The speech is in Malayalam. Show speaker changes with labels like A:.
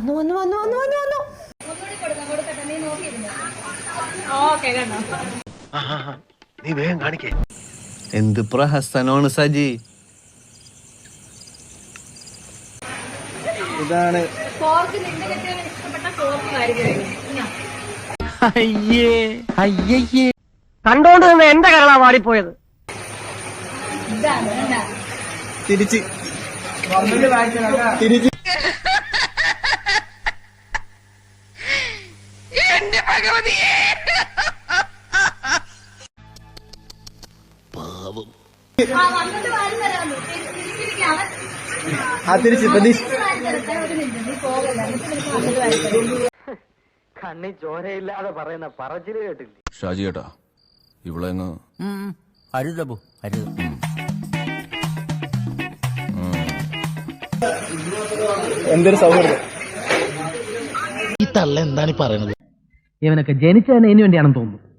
A: വന്നു വന്നു വന്നു വന്നു വന്നു വന്നു.
B: നീ വേഗം കാണിക്കേ.
C: എന്ത് പ്രഹസനമാണ് സജി. ഇതാണ്
D: കണ്ടോണ്ട് നിന്ന് എന്റെ കരളാ വാടിപ്പോയത്.
C: തിരിച്ച് തിരിച്ച് തിരിച്ച് പ്രതീക്ഷ
D: കണ്ണി ചോരയില്ലാതെ പറയുന്ന പറച്ചില് കേട്ടില്ലേ?
E: ഷാജി ഏട്ടാ, ഇവിടെ
F: അരുതബു അരുത്.
C: എന്തൊരു സൗഹൃദം.
F: ഈ തള്ള എന്താണ് പറയുന്നത്?
D: ഇവനൊക്കെ ജനിച്ചതിന് ഇതിനു വേണ്ടിയാണെന്ന് തോന്നുന്നു.